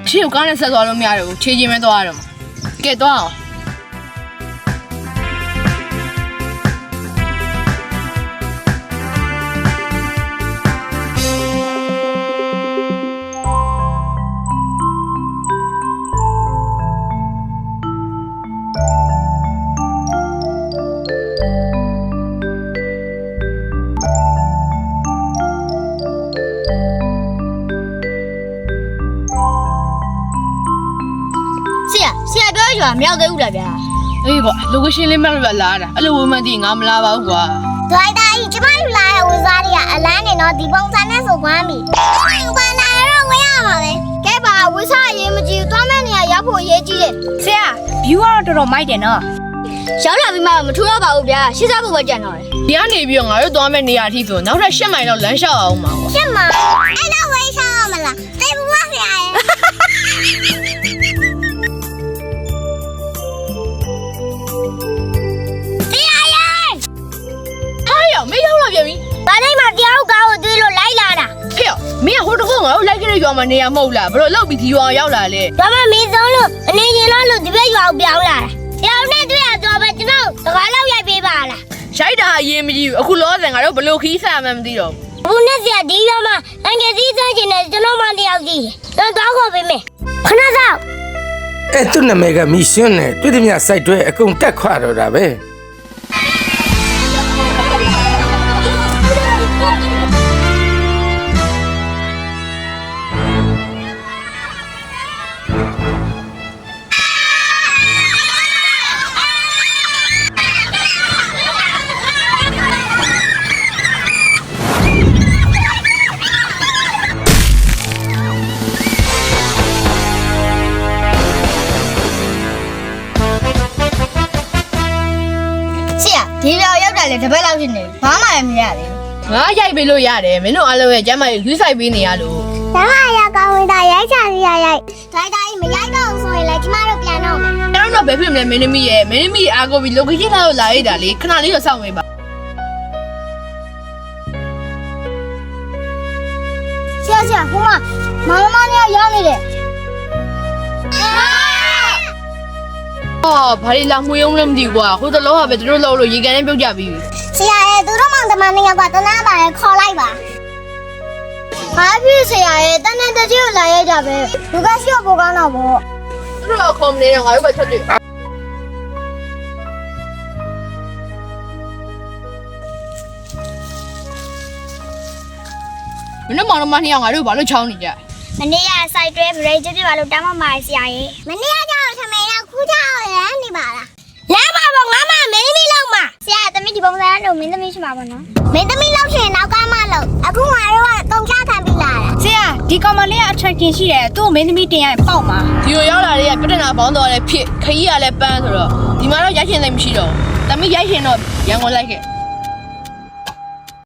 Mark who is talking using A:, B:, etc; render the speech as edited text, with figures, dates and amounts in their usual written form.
A: ရှေ့ကိုကားနဲ့ဆက်သွားလို့မရတော့ဘူးခြေချင်းပဲသွားရတော့မှာကဲသွားအောင်
B: ရွာမြောက်သေးဘူးလားဗျာ
A: အေးပေါ့ location လေးမှတ်လို့လာတာအဲ့လိုဝမှန်းသိငါမလာပါဘူးကွာ
B: ဒိုင်တာကြီးကျမတို့လာတဲ့ဝန်စားတွေကအလန်းနေတော့ဒီပုံစံနဲ့ဆိုကွမ်းပြီဘာနာတော့ဝင်ရမှာလေကဲပါဝစားအရေးမကြီးသွားမဲ့နေရာရောက်ဖို့အရေးကြီးတယ်
C: ဆရာ view ကတော့တော်တော်မိုက်တယ်နော်
B: ရောက်လာပြီးမှမထူတော့ပါဘူးဗျာရှင်းစားဖို့ပဲကြံတော့တယ်
A: ဒီကနေပြီးတော့ငါတို့သွားမဲ့နေရာအထိဆိုနောက်ထပ်10မိုင်လောက်လမ်းလျှောက်အောင်ပါကွာ
B: 10မိုင်အဲ့တော့ဝေးရှောက်မလားတေးဘူးပါဆရာရဲ့
A: မင်းရောက်လာပြန်ပြီ
B: ။ဘာတိုင်းမှာတရားကားကိုတွေးလို့လိုက်လာတာ
A: ။ဟဲ့မင်းကဟိုတခုငါတို့လိုက်ခဲ့တဲ့ရွာမှာနေရမဟုတ်လားဘလို့လောက်ပြီးဒီရွာရောက်လာလေ
B: ။ဒါမှမင်းဆုံးလို့အနေချင်းလို့ဒီဘက်ရွာကိုပြောင်းလာတာ။ရောင်နဲ့တွေ့ရတော့ပဲကျွန်တော်တကားလောက်ရိုက်ပေးပါလား
A: ။ရိုက်တာအရင်မကြည့်ဘူးအခုလောဆယ်ငါတို့ဘလို့ခီးစားမှမသိတော့
B: ဘူး။ဘူးနဲ့ဆရာဒီရွာမှာအင်္ဂလိပ်စမ်းချင်တယ်ကျွန်တော်မှတယောက်ကြည့်။တော့တော့ခေါ်ပေးမယ်။ခဏစောင့်
D: ။အဲ့သူ့နာမည်ကမီရှင်နဲ့တွေ့သည်များစိုက်တွဲအကုန်တက်ခွာတော့တာပဲ။
B: ဒီလိုရောက်တာလေတပတ်လောက်ဖြစ်နေဘာမှမရသေး
A: ဘူးငါရိုက်ပေးလို့ရတယ်မင်းတို့အားလုံးရဲ့ကျမ်းမာရေးယူဆိုင်ပေးနေရလို့
B: ကျမ်းမာရေးကောင်းဝင်တာရိုက်ချစီရိုက်ဒိုင်တိုင်းမရိုက်တော့ဘူးဆိုရင်လည်းကျမတို့ပြန်တော့မယ်
A: ကျွန်တော်တို့ဘယ်ဖြစ်မလဲမင်းသမီးရဲ့မင်းသမီးအားကိုပြီး location လောက်လာရတာလေခဏလေးတော့စောင့်နေပါ
B: ဆရာဟိုမှာမမနဲ့ရောက်နေတယ်
A: အော်ဘာလို့လာမှုယုံလည်းမသိကွာဟိုတလောကပဲသူတို့လောက်လို့ရေကန်နဲ့ပြုတ်ကြပြီး
B: ဆရာရဲ့သူတို့မောင်တမန်နေရောက်ကတနာပါရဲ့ခေါ်လိုက်ပါဘာဖြစ်ဆရာရဲ့တန်းတကြီးကိုလာရကြပဲလူကရှိဖို့ကောင်းတော့ဗော
A: သူတို့ခေါ်မနေတော့ငါတို့ပဲချက်တယ်မင်းမောင်မနှစ်ယောက်ငါတို့ဘာလို့ချောင်းနေကြ
B: မနေ့ကစိုက်တွဲဗရိတ်ပြပြပါလို့တမ်းမမာဆရာရဲ့မနေ့ကကြောက်ထမင်းတော့ခူးချောင်းရမ်းနေပါလားလမ်းပါပေါ့ငါမမင်းသမီးလောက်မှာဆရာသမီးဒီပုံစံလို့မင်းသမီးရှိမှာပေါ့နော်မင်းသမီးလောက်ရှင်နောက်ကမှလို့အခုငါတို့ကတုံချခံပြီးလာတာ
C: ဆရာဒီကောင်မလေးက attraction ရှိတယ်သူ့မင်းသမီးတင်ရပေါက်မှာ
A: ဒီကိုရောက်လာတဲ့ပြဿနာပေါင်းတော့လည်းဖြစ်ခရီးရလည်းပန်းဆိုတော့ဒီမှာတော့ရိုက်ရှင်သိမရှိတော့ဘူးသမီးရိုက်ရှင်တော့ရန်ကုန်လိုက်ခဲ့